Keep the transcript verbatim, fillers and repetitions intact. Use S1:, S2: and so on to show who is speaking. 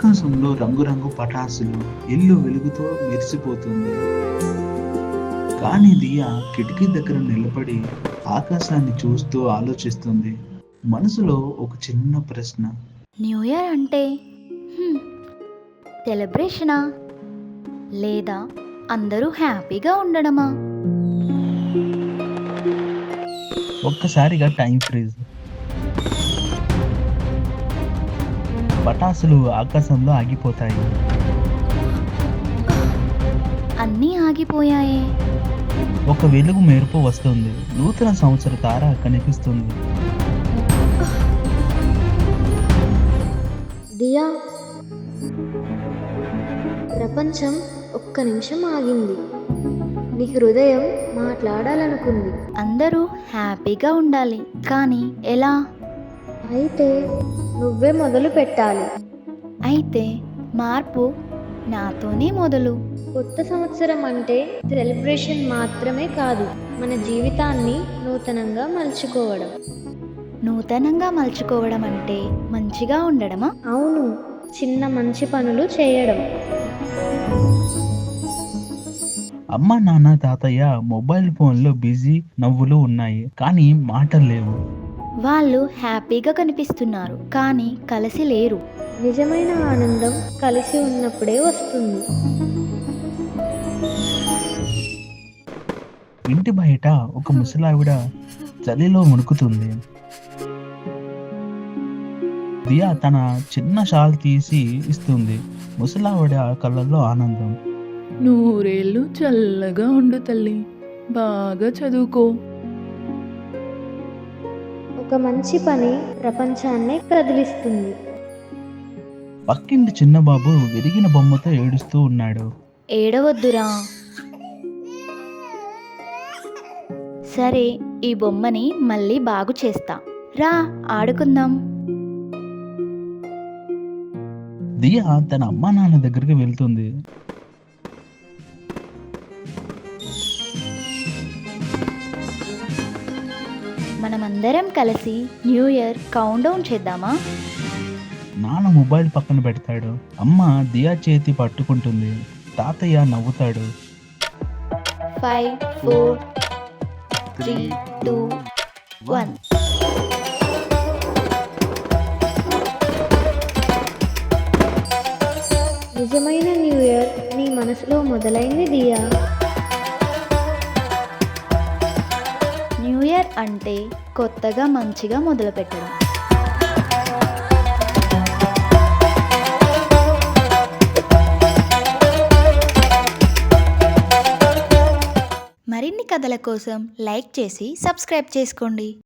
S1: ఆకాశంలో రంగురంగు పటాసులు, ఇల్లు వెలుగుతో మెరిసిపోతుంది. కానీ దియా కిటికీ దగ్గర నిలబడి ఆకాశాన్ని చూస్తూ ఆలోచిస్తుంది. మనసులో ఒక చిన్న ప్రశ్న.
S2: న్యూ ఇయర్ అంటే హ్మ్, సెలబ్రేషనా లేదా అందరూ హ్యాపీగా ఉండడమా?
S1: ఒక్కసారిగా టైం ఫ్రీజ్. పటాసులు ఆకాశంలో ఆగిపోతాయి.
S2: అన్నీ ఆగిపోయాయే.
S1: ఒక వెలుగు మెరుపు వస్తుంది. నూతన సంవత్సర తార కనిపిస్తుంది.
S3: దియా, ప్రపంచం ఒక్క నిమిషం ఆగింది. నీ హృదయం మాట్లాడాలనుకుంది.
S2: అందరూ హ్యాపీగా ఉండాలి, కానీ ఎలా?
S3: అయితే నువ్వే మొదలు పెట్టాలి.
S2: అయితే మార్పు నాతోనే మొదలు.
S3: కొత్త సంవత్సరం అంటే సెలబ్రేషన్ మాత్రమే కాదు, మన జీవితాన్ని నూతనంగా మలుచుకోవడం.
S2: నూతనంగా మలుచుకోవడం అంటే మంచిగా ఉండడమా?
S3: అవును, చిన్న మంచి పనులు చేయడం.
S1: అమ్మ, నాన్న, తాతయ్య మొబైల్ ఫోన్లో బిజీ. నవ్వులు ఉన్నాయి కానీ మాటలు లేవు.
S2: వాళ్ళు హ్యాపీగా కనిపిస్తున్నారు కానీ కలిసి లేరు.
S3: నిజమైన ఆనందం కలిసి ఉన్నప్పుడే వస్తుంది.
S1: ఇంటి బయట ఒక ముసలావిడ చలిలో వణుకుతుంది. దియా తన చిన్న షాల్ తీసి ఇస్తుంది. ముసలావిడ కళ్ళల్లో ఆనందం.
S4: నూరేళ్ళు చల్లగా ఉండు తల్లి, బాగా చదువుకో.
S3: ఒక మంచి పని ప్రపంచాన్నే కదిలిస్తుంది.
S1: పక్కింటి చిన్న బాబు విరిగిన బొమ్మతో ఏడుస్తూ ఉన్నాడు.
S2: ఏడవద్దురా. సరే, ఈ బొమ్మని మళ్ళీ బాగు చేస్తా. రా ఆడుకుందాం.
S1: దియా తన అమ్మా నాన్న దగ్గరికి వెళ్తుంది.
S2: మనమందరం కలిసి న్యూ ఇయర్ కౌంట్ డౌన్ చేద్దామా?
S1: నాన్న మొబైల్ పక్కన పెడతాడు. అమ్మ దియా చేతి పట్టుకుంటుంది. తాతయ్య నవ్వుతాడు.
S2: Five four three two one.
S3: నిజమైన న్యూ ఇయర్ నీ మనసులో మొదలైంది దియా.
S2: న్యూ ఇయర్ అంటే కొత్తగా మంచిగా మొదలుపెట్టడం. మరిన్ని కథల కోసం లైక్ చేసి సబ్స్క్రైబ్ చేసుకోండి.